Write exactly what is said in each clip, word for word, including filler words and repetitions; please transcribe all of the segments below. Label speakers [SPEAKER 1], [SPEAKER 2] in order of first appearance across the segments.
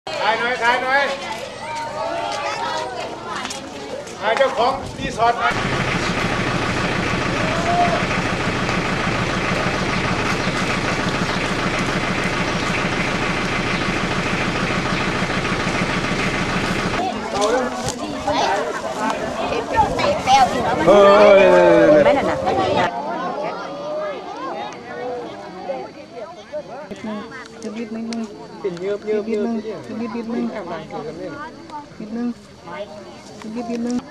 [SPEAKER 1] ถ่ายหน่อยถ่ายหน่อยถ่ายเจ้าของรีสอร์ทหน่อยเออไม่น่ะนะ
[SPEAKER 2] นิดนึงเป็นเยอะเยอะนิดนึงนิดนิดนึงนิดนึงนิดนิดนึง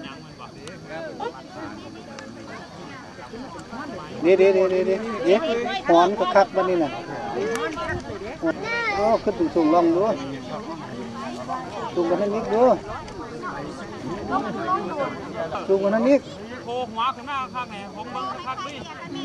[SPEAKER 2] เดี๋ยวเดี๋ยวเดี๋ยวเดี๋ยวเดี๋ยวหอนก็คักบ้านนี่น่ะโอ้ขึ้นสูงลองดูสูงกว่านั้นนิดดูสูงกว่านั้นนิด
[SPEAKER 3] โผล่หัวขึ้นมาข้างไหนผมบังคับดิ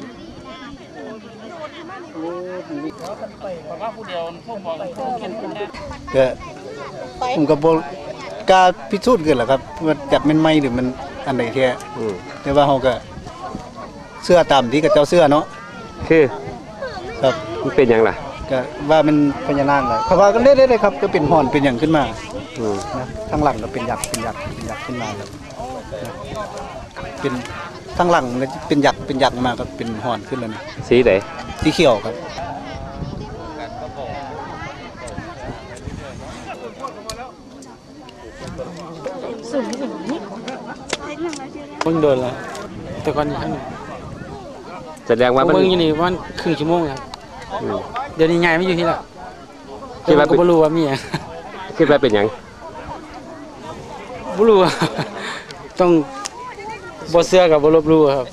[SPEAKER 3] บอกว่าผู้เดียวพวกบอกเขียนคนเดียว
[SPEAKER 2] ก็ผมก็บอกกล้าพิสูจน์กันแหละครับว่าจับมันไม่หรือมันอันไหนแท้แต่ว่าเขาก็เสื้อตามที่กับเจ้าเสื้อเนาะ
[SPEAKER 4] คือ
[SPEAKER 2] ครับ
[SPEAKER 4] มันเป็นอย่างไร
[SPEAKER 2] ก็ว่ามันพญานาคเลยเพราะว่าก็เล่นได้ครับก็เป็นห่อนเป็นอย่างขึ้นมานะทางหลังก็เป็นหยักเป็นหยักเป็นหยักขึ้นมาครับเป็นทางหลังเป็นหยักเป็นหยักมาก็เป็นห่อนขึ้นเลยนะ
[SPEAKER 4] สีไหน
[SPEAKER 2] สีเขียวครับ
[SPEAKER 3] เพิ่งเดินแล้วแต่ก่อน
[SPEAKER 4] แสดงว่า
[SPEAKER 3] เพิ่งอยู่นี่วันครึ่งชั่วโมงครับเดี๋ยวนี้ไงไม่อยู่ที่ละ
[SPEAKER 4] คิดว่า
[SPEAKER 3] ก็ไม่รู้ว่ามีอะ
[SPEAKER 4] คิดว่าเป็นยัง
[SPEAKER 3] ไม่รู้ต้องบอเสื้อกับบอลบลูครับ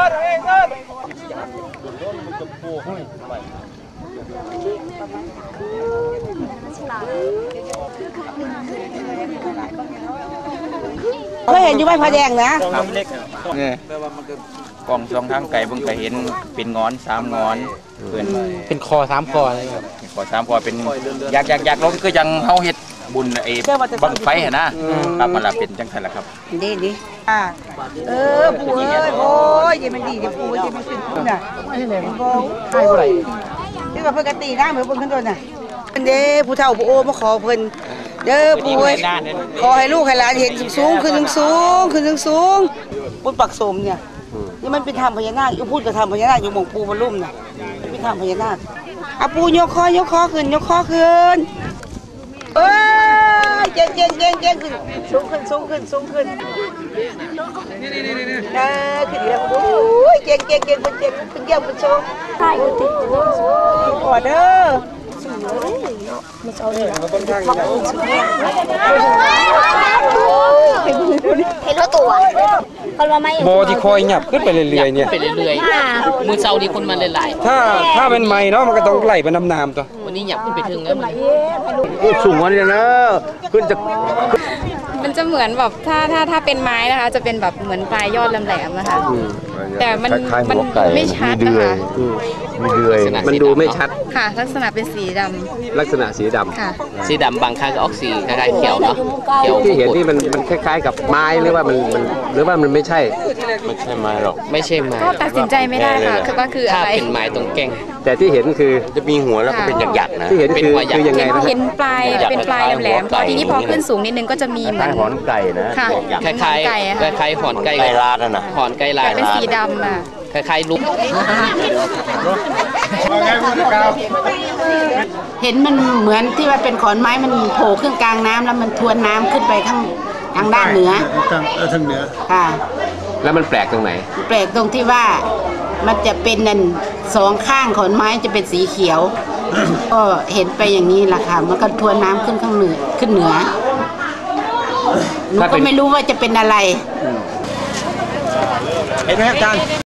[SPEAKER 5] เคยเห็นอยู่ไหมพระแดงนะ
[SPEAKER 6] เนี่ยแปลว่ามันก็กล่องสองทางไก่เพิ่งเคยเห็นเป็นงอนสามงอนเพื่อน
[SPEAKER 3] เป็นคอสามคออะไรครับ
[SPEAKER 6] คอสามคอเป็นอยากอยากอยากลงก็ยังเฮาเฮ็ดบุญไอ้บังไฟเห็นนะครับมันละเป็นจังไงล่ะครับ
[SPEAKER 5] ดีดีอ่าเออปู่เอ้ยโอ้ยยังมันดีดิปู่ยังมันขึ้นขึ้นน่ะโอ้
[SPEAKER 3] ใช่อะไร
[SPEAKER 5] ที่ว่าเพิ่นกตีน้ำเหมือนเพิ่นขึ้นต้นน่ะเป็นเด้ผู้เฒ่าผู้โอ้มาขอเพิ่นเด้อปู่เอ้ยขอให้ลูกให้หลานเห็นสูงขึ้นสูงขึ้นสูงบุญปักสมเนี่ยนี่มันเป็นธรรมพญานาคอยู่พูดกับธรรมพญานาคอยู่หม่องปู่บรรลุมน่ะเป็นธรรมพญานาคอ่ะปู่ยกคอยกคอขึ้นยกคอขึ้นเอ้ยเก่งเก่งเก่งเก่งขึ้นสูงขึ้นสูงขึ้นสูงขึ้นเออขึ้นแล้วโอ้ยเก่งเก่งเก่งเป็นเก่งเป็นเก่งเป็นโชว์ใช่กูติดขอเด้อมันเอาเลยเห็นแล้วตัว
[SPEAKER 4] โบที่คอยหยับขึ้นไปเรื่อยๆเนี่ย
[SPEAKER 3] ไปเรื่อยๆมือเซาดีคนมันหลาย
[SPEAKER 4] ๆถ้าถ้าเป็นไม้เนาะมันก็ต้องไหลไปน้ำน้ำตัว
[SPEAKER 3] วันนี้หยับขึ้นไปถึงแล้ว
[SPEAKER 4] มันสูงกว่านี้นะขึ้นจะ
[SPEAKER 7] มันจะเหมือนแบบถ้าถ้าถ้าเป็นไม้นะคะจะเป็นแบบเหมือนปลายยอดแหลมๆนะคะแต่มันมันไม่ชัดนะคะ
[SPEAKER 4] มีเดือยมันดูไม่ชัด
[SPEAKER 7] ค่ะลักษณะเป็นสีดำ
[SPEAKER 4] ลักษณะสีดำ
[SPEAKER 7] ค่ะ
[SPEAKER 3] สีดำบางครั้งก็ออกสีคล้ายๆเขียวเนาะเขียว
[SPEAKER 4] ที่เห็นที่มันมันคล้ายๆกับไม้หรือว่ามันมันหรือว่ามันไม่ใช่
[SPEAKER 6] ไม่ใช่ไม้หรอก
[SPEAKER 3] ไม่ใช่ไม้
[SPEAKER 7] ก็ตัดสินใจไม่ได้ค่ะคือว่าคืออะไร
[SPEAKER 3] เป็นไม้ตรงแก่ง
[SPEAKER 4] แต่ที่เห็นคือ
[SPEAKER 6] จะมีหัวแล้วก็เป็นหยักๆนะ
[SPEAKER 4] ที่เห็นคือคือยังไงนะ
[SPEAKER 7] เห็นปลายเป็นปลายแหลมๆพอทีนี้พอขึ้นสูงนิดนึงก็จะมีเหมือน
[SPEAKER 6] หอนไก่นะ
[SPEAKER 3] คล้ายๆคล้ายๆหอนไก่
[SPEAKER 6] ไก่ลาดนะ
[SPEAKER 3] หอนไก่ลาด
[SPEAKER 7] เป็นสีดำอ่ะ
[SPEAKER 3] คล้ายๆลูก
[SPEAKER 5] เห็นมันเหมือนที่ว่าเป็นขอนไม้มันโผล่ขึ้นกลางน้ำแล้วมันทวนน้ำขึ้นไปข้างทางด้านเหนือ
[SPEAKER 2] ทางเออทางเหนือ
[SPEAKER 5] ค่ะ
[SPEAKER 4] แล้วมันแปลกตรงไหน
[SPEAKER 5] แปลกตรงที่ว่ามันจะเป็นนั่นสองข้างขอนไม้จะเป็นสีเขียวก็เห็นไปอย่างนี้แหละค่ะมันก็ทวนน้ำขึ้นข้างเหนือขึ้นเหนือหนูก็ไม่รู้ว่าจะเป็นอะไร
[SPEAKER 4] เห็นไหมครับอาจารย์